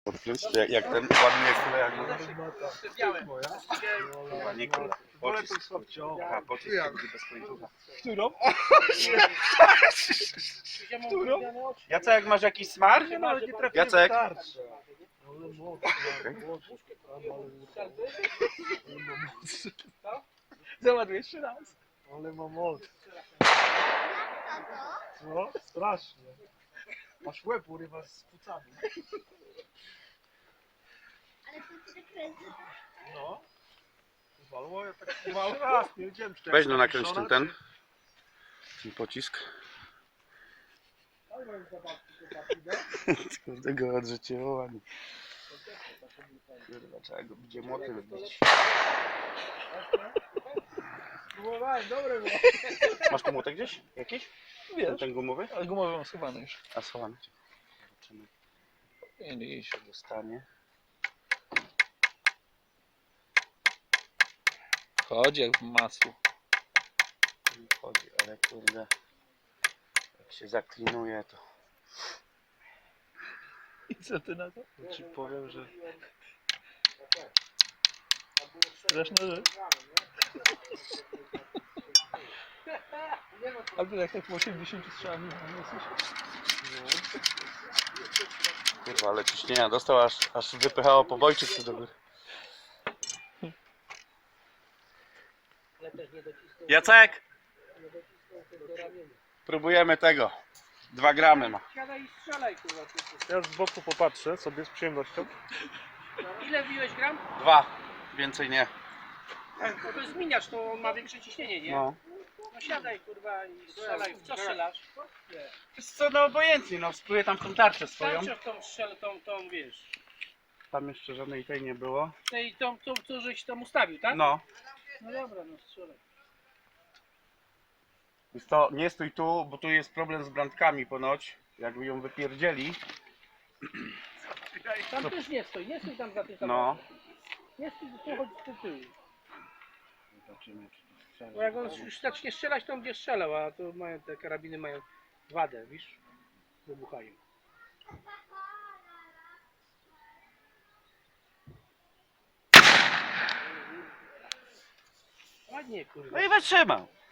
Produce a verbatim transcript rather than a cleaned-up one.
Odkręć, to jak, jak ten ładnie kule, jak ładnie kule. Pocisk. Aha, pocisk to będzie bez końcówka. Którą? Którą? Jacek, masz jakiś smar? Nie no, ale nie trafiłem. Jacek? Starczy. Ale mocno, mocno. Zobacz jeszcze raz. Ale ma moc. No, strasznie. Masz łeb urywa z płucami. Ale to się kręci. No. Walło, ja tak mały raz, nie wiedziałem czy to Weź jak no nakręć ten żona, ten. Ten pocisk. Kurde go odrzuciło ładnie. Kurwa, trzeba go będzie młoty wybić. Próbowałem, dobre było. Masz tu młotek gdzieś? Jakiś? Wiesz, Ten gumowy? ale gumowy mam schowany już. A schowany. Zobaczymy. Nie, nie, nie. Co dostanie. Chodzi jak w masło. Nie wchodzi, ale kurde. Jak się zaklinuje to. I co ty na to? Ja ci powiem, że... Straszna rzecz. Albo jak tak w osiemdziesięciu strzałach nie jesteś. Kurwa, ale ciśnienia dostał, aż, aż wypychało pobojczyk tu do góry. Jacek! Próbujemy tego. Dwa gramy ma. Siadaj i strzelaj, kurwa. Ja z boku popatrzę sobie z przyjemnością. Ile wbiłeś gram? Dwa. Więcej nie. No to jest zmieniacz, to on ma większe ciśnienie, nie? No. No siadaj, kurwa, i strzelaj. W co strzelasz? Jest co, no obojętnie, no spróbuję tam tą tarczę swoją. Starczy w tą strzel, tą, tą, wiesz. Tam jeszcze żadnej tej nie było. Tej, tą, tą, tą, żeś tam ustawił, tak? No. No dobra, no strzelaj. Jest to, nie stój tu, bo tu jest problem z brandkami ponoć. Jakby ją wypierdzieli. Tam też nie stoi, nie stój tam za tym No. Nie stój, tu chodź z tyłu. Zobaczymy, czy to strzela. Bo jak on już zacznie strzelać, to on będzie strzelał, a to mają, te karabiny mają wadę, wiesz? Wybuchają. Ładnie, kurwa. No i wytrzymał.